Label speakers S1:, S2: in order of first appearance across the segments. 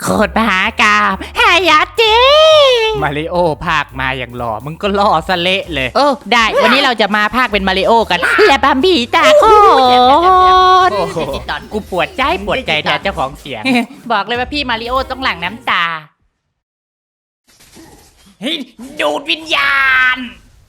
S1: คตรมหากาพย์ฮายาเจมาริโอภาคมาอย่างหล่อมึงก็ล่อสเละเลยได้วันนี้เราจะมาภาคเป็นมาริโอกันและบัมบี้ตาโคนกูปวดใจแทนเจ้าของเสียงบอกเลยว่าพี่มาริโอต้องหลั่งน้ำตาดูดวิญญาณ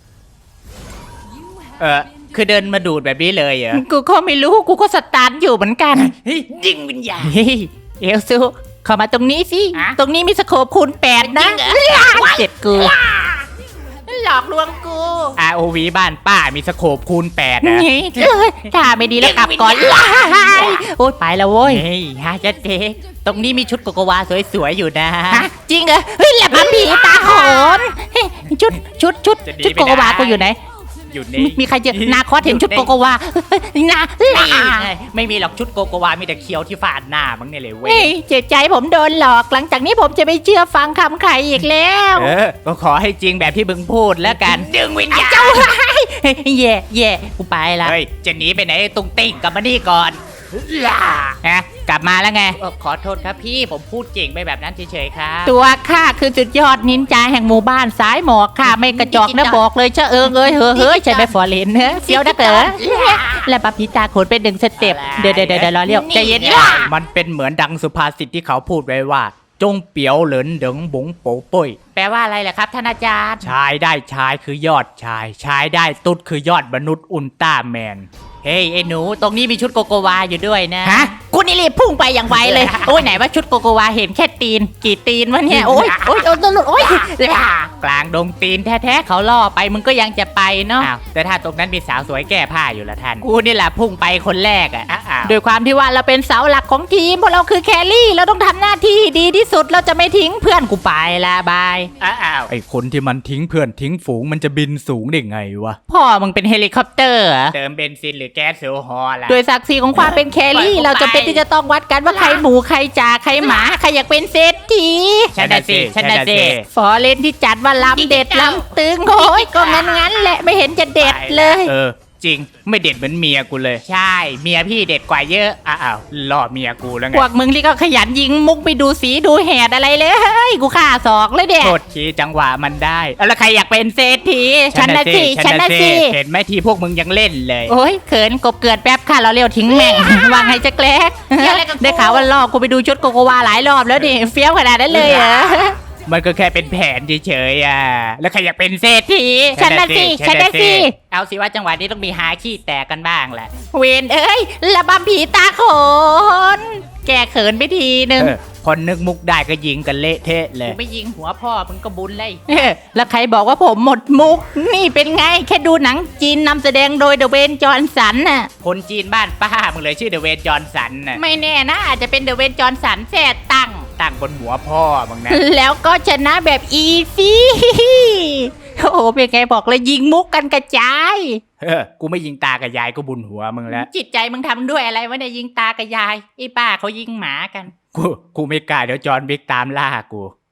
S1: คือเดินมาดูดแบบนี้เลยเหรอกูก็ไม่รู้กูก็สตาร์ทอยู่เหมือนกันยิงวิญญาณเอลซูเข้ามาตรงนี้สิตรงนี้มีสโคปคูณ8นะเจ็บกูหลอกลวงกู ROV บ้านป้ามีสโคปคูณ8นะถ้าไม่ดีแล้วกลับก่อนโอ๊ยไปแล้วโว้ยฮะจะเจ๊ตรงนี้มีชุดโกโกวาสวยๆอยู่นะจริงเหรอเฮ้ยแหลมผีตาโขนชุดโกโกวากูอยู่ไหนอยู่นี่มีใครเจอนาคอสเห็นชุดโกโกวานาไม่มีหรอกชุดโกโกวามีแต่เคียวที่ฟาดหน้ามึงนี่เลยเว้ยเจ็บใจผมโดนหลอกหลังจากนี้ผมจะไม่เชื่อฟังคำใครอีกแล้วก็ขอให้จริงแบบที่มึงพูดแล้วกันดึงวิญญาณเจ้าแย่กูไปละเฮ้ยจะหนีไปไหนตุ้งติ้งกลับมานี่ก่อนกลับมาแล้วไงขอโทษครับพี่ผมพูดจริงไปแบบนั้นเฉยๆครับตัวข้าคือสุดยอดนินจาแห่งหมู่บ้านสายหมอกค่ะไม่กระจอกนะบอกเลยเชเฮ้ยใช่ไหมฟอร์เรนเฟี้ยวนักเหรอและปะพิตาโขนเป็น1 สเต็ปเดี๋ยวรอเรียวใจเย็นมันเป็นเหมือนดังสุภาษิตที่เขาพูดไว้ว่าจงเปียวเหลินเดิงบุ๋งโป๋ป่ยแปลว่าอะไรล่ะครับท่านอาจารย์ชายได้ชายคือยอดชายได้ตุ๊ดคือยอดมนุษย์อุลตร้าแมนเฮ้ยไอ้หนูตรงนี้มีชุดโกโกวาอยู่ด้วยนะฮะกูนี่รีบพุ่งไปอย่างไวเลยโอ้ยไหนว่าชุดโกโกวาเห็นแค่ตีนกี่ตีนวะเนี่ยโอ้ยกลางดงตีนแท้ๆเขาล่อไปมึงก็ยังจะไปเนาะแต่ถ้าตรงนั้นมีสาวสวยแก้ผ้าอยู่ละท่านกูนี่แหละพุ่งไปคนแรกอ่ะโดยความที่ว่าเราเป็นเสาหลักของทีมพวกเราคือแครี่เราต้องทำหน้าที่ดีที่สุดเราจะไม่ทิ้งเพื่อนกูไปละบายไอ้คนที่มันทิ้งเพื่อนทิ้งฝูงมันจะบินสูงได้ไงวะพ่อมึงเป็นเฮลิคอปเตอร์เติมเบนซินหรือแก๊สโซฮอลล่ะโดยศักดิ์ศรีของความเป็นแครี่เราจะเป็นที่จะต้องวัดกันว่าใครหมูใครจ่าใครหมาใครอยากเป็นเศรษฐีฉันน่ะสิฟอเรนที่จัดว่าลำเด็ดลำตึงโอ้ยก็งั้นแหละไม่เห็นจะเด็ดเลยจริงไม่เด็ดเหมือนเมียกูเลยใช่เมียพี่เด็ดกว่าเยอะล่อเมียกูแล้วไงพวกมึงที่ก็ขยันยิงมุกไปดูสีดูแหดอะไรเลยเฮ้ยกูฆ่าศอกเลยเด็กโทษทีจังหวะมันได้แล้วใครอยากเป็นเศรษฐีฉันน่ะสิเห็นไหมทีพวกมึงยังเล่นเลยโอ้ยเขินกบเกิดแป๊บค่ะเราเร็วทิ้งแม่งวางให้จะแกล้งได้ข่าวว่าล่อกูไปดูชุดโกโกวาหลายรอบแล้วดิเฟี้ยวขนาดนั้นเลยเหรอมันก็แค่เป็นแผนเฉยๆแล้วใครอยากเป็นเศรษฐีฉันน่ะสิเอาสิว่าจังหวะนี้ต้องมีหาขี้แตกกันบ้างแหละเวนเอ้ยระบำผีตาโขนแกเขินไปทีนึงคนนึกมุกได้ก็ยิงกันเละเทะเลยไม่ยิงหัวพ่อมึงก็บุญเลยแล้วใครบอกว่าผมหมดมุกนี่เป็นไงแค่ดูหนังจีนนำแสดงโดยเดอะเวนจอห์นสันน่ะคนจีนบ้านป้ามึงเลยชื่อเดอะเวนจอห์นสันน่ะไม่แน่นะอาจจะเป็นเดอะเวนจอห์นสันแท้ตั้งบนหัวพ่อมึงนะแล้วก็ชนะแบบอีซี่โอ้เป็นไงบอกเลยยิงมุกกันกระจายกูไม่ยิงตากับยายก็บุญหัวมึงแล้วจิตใจมึงทำด้วยอะไรวะเนี่ยยิงตากับยายไอ้ป้าเขายิงหมากันกูไม่กล้าเดี๋ยวจอห์นบิ๊กตามล่ากู